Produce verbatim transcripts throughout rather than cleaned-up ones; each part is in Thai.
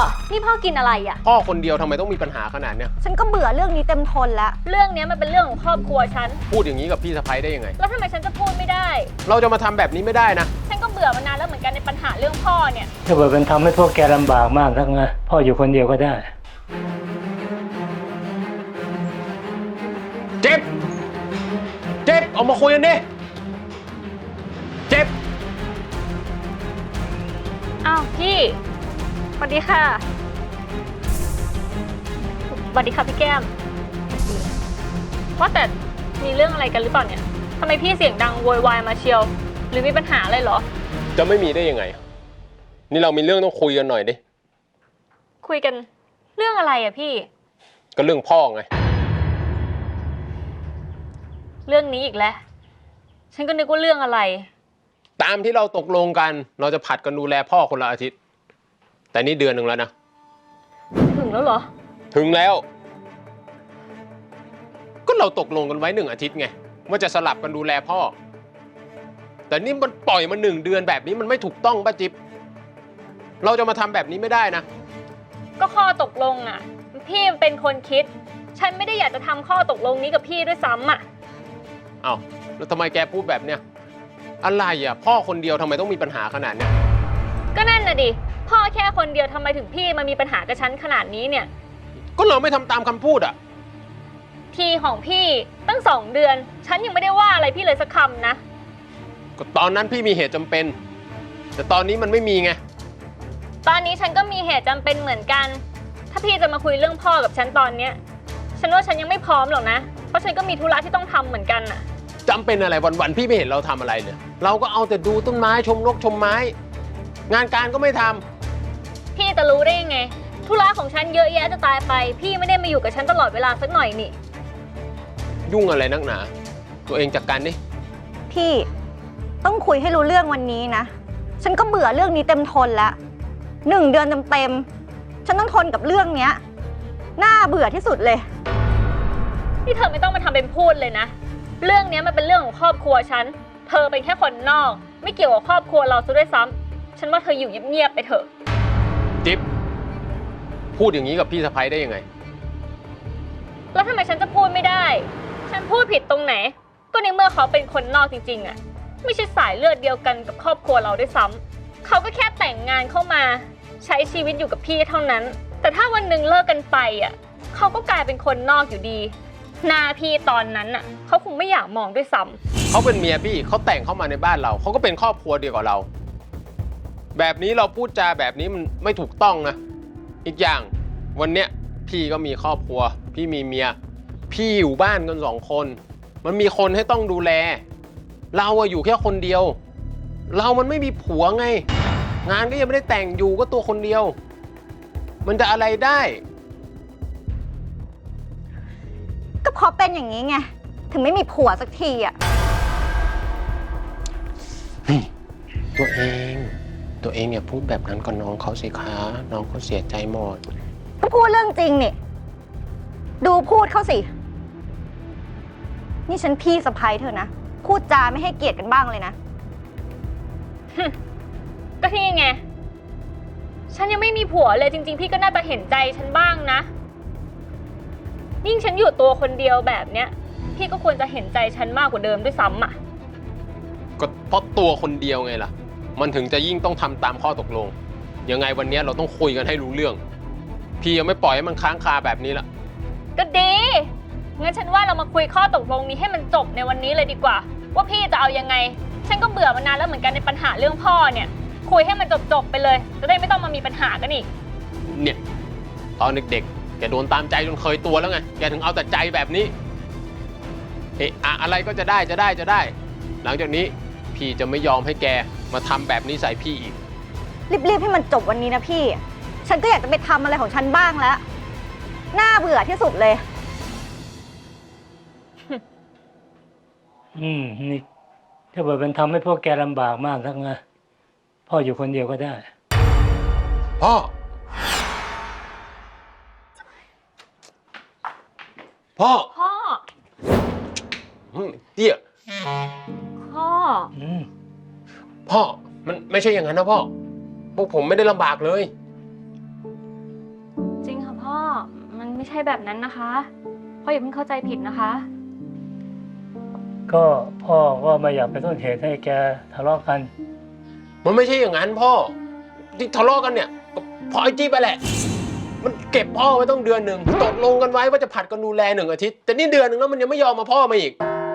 นี่พ่อกินอะไรอ่ะพ่อคนเดียวทำไมต้องมีปัญหาขนาดเนี้ยฉันก็เบื่อเรื่องนี้เต็มทนแล้วเรื่องนี้มันเป็นเรื่องของครอบครัวฉันพูดอย่างนี้กับพี่สะใภ้ได้ยังไงแล้วทำไมฉันจะพูดไม่ได้เราจะมาทำแบบนี้ไม่ได้นะฉันก็เบื่อมานานแล้วเหมือนกันในปัญหาเรื่องพ่อเนี่ยถ้าเกิดมันทำให้พวกแกลำบากมากทั้งนั้นพ่ออยู่คนเดียวก็ได้เจ็บเจ็บออกมาคุยกันดิเจ็บอ้าวพี่สวัสดีค่ะสวัสดีค่ะพี่แก้มว่าแต่มีเรื่องอะไรกันหรือเปล่าเนี่ยทำไมพี่เสียงดังโวยวายมาเชียวหรือมีปัญหาอะไรเหรอจะไม่มีได้ยังไงนี่เรามีเรื่องต้องคุยกันหน่อยดิคุยกันเรื่องอะไรอะพี่ก็เรื่องพ่อไงเรื่องนี้อีกแล้วฉันก็นึกว่าเรื่องอะไรตามที่เราตกลงกันเราจะผัดกันดูแลพ่อคนละอาทิตย์แต่นี่เดือนหนึ่งแล้วนะถึงแล้วเหรอถึงแล้วก็เราตกลงกันไว้หนึ่งอาทิตย์ไงว่าจะสลับกันดูแลพ่อแต่นี่มันปล่อยมาหนึ่งเดือนแบบนี้มันไม่ถูกต้องป้าจิ๊บเราจะมาทำแบบนี้ไม่ได้นะก็ข้อตกลงอ่ะพี่เป็นคนคิดฉันไม่ได้อยากจะทำข้อตกลงนี้กับพี่ด้วยซ้ำอ่ะอ้าวแล้วทำไมแกพูดแบบเนี้ยอะไรอ่ะพ่อคนเดียวทำไมต้องมีปัญหาขนาดเนี้ยก็นั่นน่ะดิพ่อแค่คนเดียวทำไมถึงพี่มามีปัญหากับฉันขนาดนี้เนี่ยก็เราไม่ทำตามคำพูดอ่ะทีของพี่ตั้งสองเดือนฉันยังไม่ได้ว่าอะไรพี่เลยสักคำนะก็ตอนนั้นพี่มีเหตุจำเป็นแต่ตอนนี้มันไม่มีไงตอนนี้ฉันก็มีเหตุจำเป็นเหมือนกันถ้าพี่จะมาคุยเรื่องพ่อกับฉันตอนเนี้ยฉันว่าฉันยังไม่พร้อมหรอกนะเพราะฉันก็มีธุระที่ต้องทำเหมือนกันน่ะจำเป็นอะไรวันๆพี่ไม่เห็นเราทำอะไรเลยเราก็เอาแต่ดูต้นไม้ชมนกชมไม้งานการก็ไม่ทำพี่จะรู้ได้ยังไงธุระของฉันเยอะแยะจะตายไปพี่ไม่ได้มาอยู่กับฉันตลอดเวลาสักหน่อยนี่ยุ่งอะไรนักหนาตัวเองจัดการดิพี่ต้องคุยให้รู้เรื่องวันนี้นะฉันก็เบื่อเรื่องนี้เต็มทนแล้วหนึ่งเดือนเต็มๆฉันต้องทนกับเรื่องเนี้ยน่าเบื่อที่สุดเลยนี่เธอไม่ต้องมาทำเป็นพูดเลยนะเรื่องนี้มันเป็นเรื่องของครอบครัวฉันเธอเป็นแค่คนนอกไม่เกี่ยวกับครอบครัวเราซะด้วยซ้ำฉันว่าเธออยู่เงียบๆไปเถอะจิ๊บพูดอย่างนี้กับพี่สะใภ้ได้ยังไงแล้วทำไมฉันจะพูดไม่ได้ฉันพูดผิดตรงไหนก็ในเมื่อเขาเป็นคนนอกจริงๆอ่ะไม่ใช่สายเลือดเดียวกันกับครอบครัวเราด้วยซ้ำเขาก็แค่แต่งงานเข้ามาใช้ชีวิตอยู่กับพี่เท่านั้นแต่ถ้าวันหนึ่งเลิกกันไปอ่ะเขาก็กลายเป็นคนนอกอยู่ดีหน้าพี่ตอนนั้นน่ะเขาคงไม่อยากมองด้วยซ้ำเขาเป็นเมียพี่เขาแต่งเข้ามาในบ้านเราเขาก็เป็นครอบครัวเดียวกับเราแบบนี้เราพูดจาแบบนี้มันไม่ถูกต้องนะอีกอย่างวันเนี้ยพี่ก็มีครอบครัวพี่มีเมียพี่อยู่บ้านกันสองคนมันมีคนให้ต้องดูแลเราอะอยู่แค่คนเดียวเรามันไม่มีผัวไงงานก็ยังไม่ได้แต่งอยู่ก็ตัวคนเดียวมันจะอะไรได้ก็เพราะเป็นอย่างนี้ไงถึงไม่มีผัวสักทีอ่ะตัวเองตัวเองอย่าพูดแบบนั้นกับน้องเขาสิคะน้องเขาเสียใจหมดก็พูดเรื่องจริงนี่ดูพูดเขาสินี่ฉันพี่สะใภ้เธอนะพูดจาไม่ให้เกียรติกันบ้างเลยนะก็ที่ไงฉันยังไม่มีผัวเลยจริงๆพี่ก็น่าจะเห็นใจฉันบ้างนะยิ่งฉันอยู่ตัวคนเดียวแบบเนี้ยพี่ก็ควรจะเห็นใจฉันมากกว่าเดิมด้วยซ้ำอ่ะก็เพราะตัวคนเดียวไงล่ะมันถึงจะยิ่งต้องทำตามข้อตกลงยังไงวันนี้เราต้องคุยกันให้รู้เรื่องพี่ยังไม่ปล่อยให้มันค้างคาแบบนี้ละก็ดีงั้นฉันว่าเรามาคุยข้อตกลงนี้ให้มันจบในวันนี้เลยดีกว่าว่าพี่จะเอายังไงฉันก็เบื่อมานานแล้วเหมือนกันในปัญหาเรื่องพ่อเนี่ยคุยให้มันจบๆไปเลยจะได้ไม่ต้องมามีปัญหากันอีกเนี่ยตอนเด็กๆแกโดนตามใจจนเคยตัวแล้วไงแกถึงเอาแต่ใจแบบนี้เอะอะอะไรก็จะได้จะได้จะได้หลังจากนี้พี่จะไม่ยอมให้แกมาทำแบบนี้ใส่พี่อีกรีบๆให้มันจบวันนี้นะพี่ฉันก็อยากจะไปทำอะไรของฉันบ้างแล้วน่าเบื่อที่สุดเลยอืมนี่ถ้าเกิดมันทำให้พวกแกลำบากมากทั้งนั้นพ่ออยู่คนเดียวก็ได้พ่อพ่อพ่อเตี้ยพ่อพ่อมันไม่ใช่อย่างนั้นนะพ่อพวกผมไม่ได้ลำบากเลยไม่ใช่แบบนั้นนะคะ พ่ออย่าเพิ่งเข้าใจผิดนะคะก็พ่อก็ไม่อยากเป็นต้นเหตุให้แกทะเลาะกันมันไม่ใช่อย่างนั้นพ่อที่ทะเลาะกันเนี่ยก็เพราะไอ้จี้ไปแหละ มันเก็บพ่อไว้ต้องเดือนหนึ่งตกลงกันไว้ว่าจะผัดกันดูแลหนึ่งอาทิตย์แต่นี่เดือนหนึ่งแล้วมันยังไม่ยอมมาพ่อมาอีก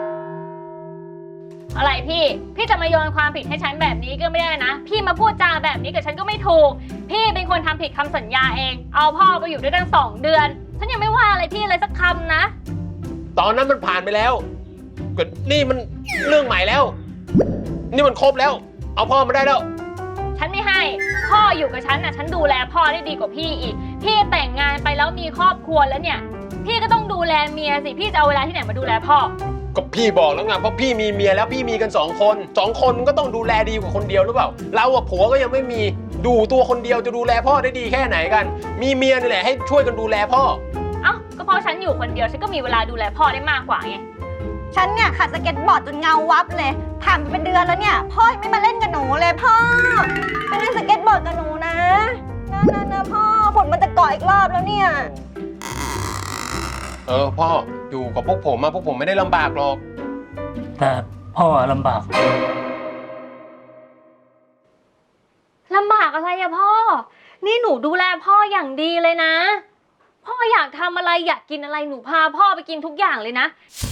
อะไรพี่ พี่จะมาโยนความผิดให้ฉันแบบนี้ก็ไม่ได้นะ พี่มาพูดจาแบบนี้กับฉันก็ไม่ถูก พี่เป็นคนทำผิดคำสัญญาเอง เอาพ่อไปอยู่ด้วยตั้งสองเดือน ฉันยังไม่ว่าอะไรพี่เลยสักคำนะตอนนั้นมันผ่านไปแล้วก็นี่มันเรื่องใหม่แล้ว นี่มันครบแล้ว เอาพ่อมาได้แล้วฉันไม่ให้ พ่ออยู่กับฉันน่ะ ฉันดูแลพ่อได้ดีกว่าพี่อีก พี่แต่งงานไปแล้วมีครอบครัวแล้วเนี่ย พี่ก็ต้องดูแลเมียสิ พี่จะเอาเวลาที่ไหนมาดูแลพ่อก็พี่บอกแล้วไงเพราะพี่มีเมียแล้วพี่มีกันสองคนสองคนมันก็ต้องดูแลดีกว่าคนเดียวหรือเปล่าเราอะผัวก็ยังไม่มีดูตัวคนเดียวจะดูแลพ่อได้ดีแค่ไหนกัน มีเมียนี่แหละให้ช่วยกันดูแลพ่อเอ้า ก็เพราะฉันอยู่คนเดียว ฉันก็มีเวลาดูแลพ่อได้มากกว่าไงฉันเนี่ยขัดสเก็ตบอร์ดจนเงาวับเลยผ่านไปเป็นเดือนแล้วเนี่ยพ่อยังไม่มาเล่นกับหนูเลยพ่อไปเล่นสเก็ตบอร์ดกับหนูนะนะนะนะพ่อฝนมันจะเกาะอีกรอบแล้วเนี่ยเออพ่ออยู่กับพวกผมมาพวกผมไม่ได้ลำบากหรอกแต่พ่อลำบากลำบากอะไรอะพ่อ นี่หนูดูแลพ่ออย่างดีเลยนะ พ่ออยากทำอะไรอยากกินอะไรหนูพาพ่อไปกินทุกอย่างเลยนะ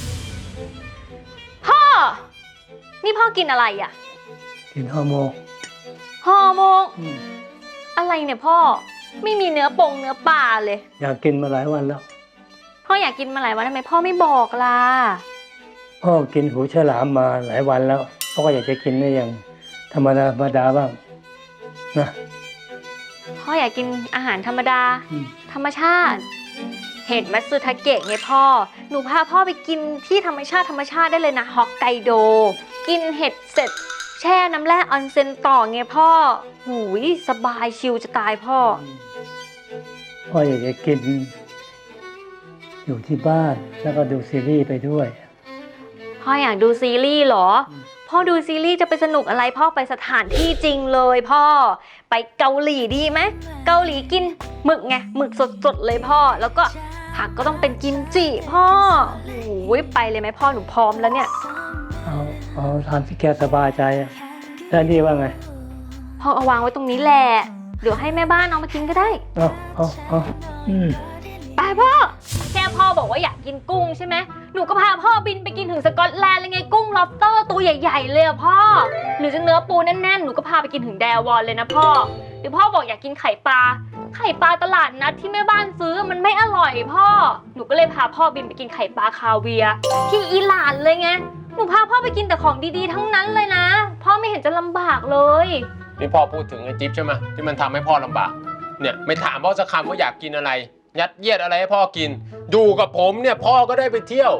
พ่อ นี่พ่อกินอะไรอะกินฮอร์โมนฮอร์โมนอืมอะไรเนี่ยพ่อ ไม่มีเนื้อปงเนื้อปลาเลยอยากกินมาหลายวันแล้วพ่ออยากกินมาหลายวันทำไมพ่อไม่บอกล่ะพ่อกินหูฉลามมาหลายวันแล้วพ่อก็อยากจะกินได้อย่างธรรมดาธรรมดาบ้างนะพ่ออยากกินอาหารธรรมดาอืมธรรมชาติ เห็ดมัตสึทาเกะไงพ่อ หนูพาพ่อไปกินที่ธรรมชาติธรรมชาติได้เลยนะฮอกไกโด กินเห็ดเสร็จ แช่น้ำแร่ออนเซ็นต่อไงพ่อ หูยสบายชิลจะตายพ่อพ่ออยากจะกิน อยู่ที่บ้านแล้วก็ดูซีรีส์ไปด้วยพ่ออยากดูซีรีส์เหรออืมพ่อดูซีรีส์จะไปสนุกอะไรพ่อไปสถานที่จริงเลยพ่อ ไปเกาหลีดีไหมเกาหลีกินหมึกไงหมึกสดๆเลยพ่อ แล้วก็ผักก็ต้องเป็นกิมจิพ่อโอ้ยไปเลยไหมพ่อหนูพร้อมแล้วเนี่ยเอาเอาทำที่แกสบายใจอะแล้วนี่ว่าไงพ่อเอาวางไว้ตรงนี้แหละเดี๋ยวให้แม่บ้านเอามากินก็ได้เอาเอาเอาอืมไปพ่อแค่พ่อบอกว่าอยากกินกุ้งใช่ไหมหนูก็พาพ่อบินไปกินถึงสกอตแลนด์เลยไงกุ้งล็อบสเตอร์ตัวใหญ่ๆเลยอะพ่อหรือจะเนื้อปูแน่นๆหนูก็พาไปกินถึงแดวอนเลยนะพ่อหรือพ่อบอกอยากกินไข่ปลาไข่ปลาตลาดนัดที่แม่บ้านซื้อมันไม่อร่อยพ่อหนูก็เลยพาพ่อบินไปกินไข่ปลาคาเวียร์ที่อิหร่านเลยไงหนูพาพ่อไปกินแต่ของดีๆทั้งนั้นเลยนะพ่อไม่เห็นจะลำบากเลยนี่พ่อพูดถึงไอ้จิ๊บใช่ไหมที่มันทำให้พ่อลำบากเนี่ยไม่ถามพ่อสักคำว่าอยากกินอะไร ยัดเยียดอะไรให้พ่อกินอยู่กับผมเนี่ยพ่อก็ได้ไปเที่ยว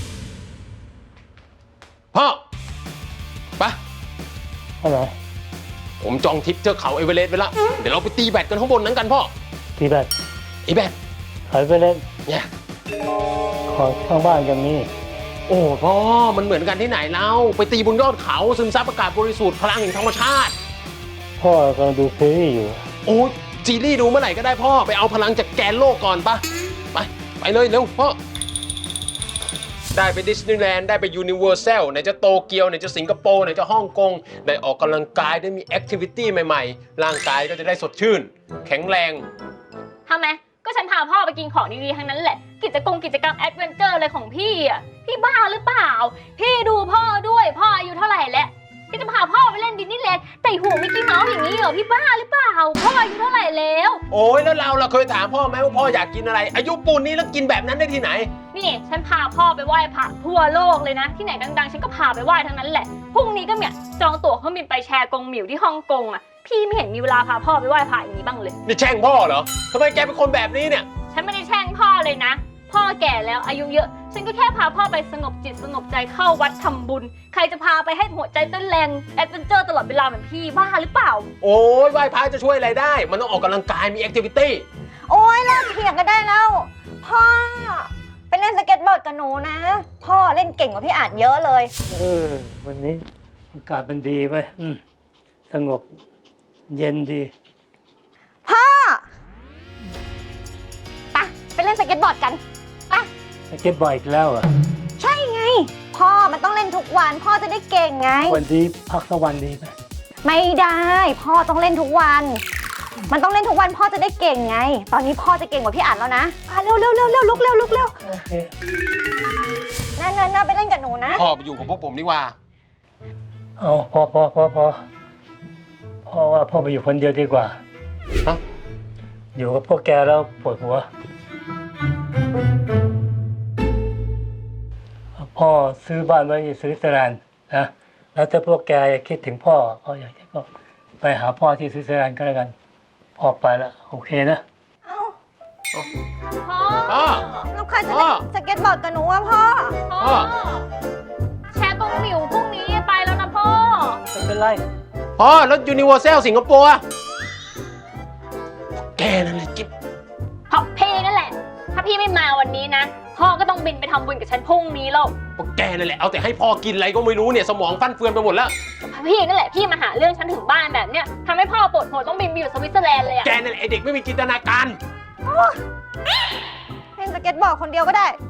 พ่อไปอะไรผมจองทริปเทือกเขาเอเวอเรสต์ไว้แล้วเดี๋ยวเราไปตีแบดกันข้างบนนั้นกันพ่อตีแบตไอ้แบดถอยไปเล่นเนี่ยขอข้างบ้านอย่างนี้โอ้พ่อมันเหมือนกันที่ไหนเล่าไปตีบนยอดเขาซึมซับอากาศบริสุทธิ์พลังแห่งธรรมชาติพ่อกำลังดูซีรีส์อยู่โอ้ซีรีส์ดูเมื่อไหร่ก็ได้พ่อไปเอาพลังจากแกนโลกก่อนปะไปไปเลยเร็วพ่อได้ไปดิสนีย์แลนด์ได้ไปยูนิเวอร์แซลไหนจะโตเกียวไหนจะสิงคโปร์ไหนจะฮ่องกงได้ออกกำลังกายได้มีแอคทิวิตี้ใหม่ๆร่างกายก็จะได้สดชื่น แข็งแรงทำไมก็ฉันพาพ่อไปกินของดีๆทั้งนั้นแหละกิจกรรมกิจกรรมแอดเวนเจอร์อะไรของพี่อ่ะพี่บ้าหรือเปล่าพี่ดูพ่อด้วยพ่ออายุเท่าไหร่แล้วพี่จะพาพ่อไปเล่นดิสนีย์แลนด์แต่หัวมิกกี้เมาส์อย่างนี้เหรอพี่บ้าหรือเปล่าพ่ออายุเท่าไหร่แล้วโอ้ยแล้วเราเราเคยถามพ่อไหมว่าพ่ออยากกินอะไร อายุปูนนี้แล้วกินแบบนั้นได้ที่ไหนนี่ฉันพาพ่อไปไหว้พระทั่วโลกเลยนะที่ไหนดังๆฉันก็พาไปไหว้ทั้งนั้นแหละพรุ่งนี้ก็เนี่ยจองตั๋วเครื่องบินไปแชร์กงหมิวที่ฮ่องกงอ่ะพี่ไม่เห็นมีเวลาพาพ่อไปไหว้พระอย่างนี้บ้างเลยนี่แช่งพ่อเหรอทำไมแกเป็นคนแบบนี้เนี่ยฉันไม่ได้แช่งพ่อเลยนะพ่อแก่แล้วอายุเยอะฉันก็แค่พาพ่อไปสงบจิตสงบใจเข้าวัดทำบุญใครจะพาไปให้หัวใจเต้นแรงแอดเวนเจอร์ตลอดเวลาเหมือนพี่บ้าหรือเปล่าโอ้ยไหว้พระจะช่วยอะไรได้ มันต้องออกกำลังกายมีแอคทิวิตี้โอ้ยเลิกเถียงกันได้แล้ว พ่อไปเล่นสเก็ตบอร์ดกับหนูนะ พ่อเล่นเก่งกว่าพี่อาจเยอะเลยเออ วันนี้อากาศมันดีไปอืมสงบ เย็นดีพ่อไปไปเล่นสเก็ตบอร์ดกันไปสเก็ตบอร์ดอีกแล้วเหรอ่ะใช่ไง พ่อมันต้องเล่นทุกวัน พ่อจะได้เก่งไงวันนี้พักสักวันดีไหมไม่ได้ พ่อต้องเล่นทุกวัน มันต้องเล่นทุกวันพ่อจะได้เก่งไง ตอนนี้พ่อจะเก่งกว่าพี่อัดแล้วนะอ่ะเร็วเร็วเร็วเร็วลุกเร็วลุกเร็วโอเคนั่นนั่นนั่นไปเล่นกับหนูนะพ่อไปอยู่กับพวกผมดีกว่าเอาพอพอพอพอพ่อว่าพ่อไปอยู่คนเดียวดีกว่าฮะอยู่กับพวกแกแล้วปวดหัว พ่อซื้อบ้านไว้ที่สวิตเซอร์แลนด์นะ แล้วถ้าพวกแกคิดถึงพ่อพ่ออยากจะก็ไปหาพ่อที่สวิตเซอร์แลนด์ก็แล้วกัน พ่อไปแล้วโอเคนะเอ้าพ่อพ่อลูกค้าจะพ่อเล่นสเก็ตบอร์ดกับหนูอะพ่อพ่อแชร์ตรงหมิวพรุ่งนี้ไปแล้วนะพ่อไม่เป็นไรพ่อแล้วยูนิเวอร์แซลสิงคโปร์อะแกนั่นแหละจิ๊บเพราะพี่นั่นแหละ ถ้าพี่ไม่มาวันนี้นะ พ่อก็ต้องบินไปทำบุญกับฉันพรุ่งนี้แล้วพวกแกนั่นแหละเอาแต่ให้พ่อกินอะไรก็ไม่รู้เนี่ยสมองฟั่นเฟือนไปหมดแล้วพี่นั่นแหละพี่มาหาเรื่องฉันถึงบ้านแบบเนี้ยทำให้พ่อปวดหัวต้องบินไปอยู่สวิตเซอร์แลนด์เลยอะแกนั่นแหละไอเด็กไม่มีจินตนาการเล่นสเก็ตบอร์ดคนเดียวก็ได้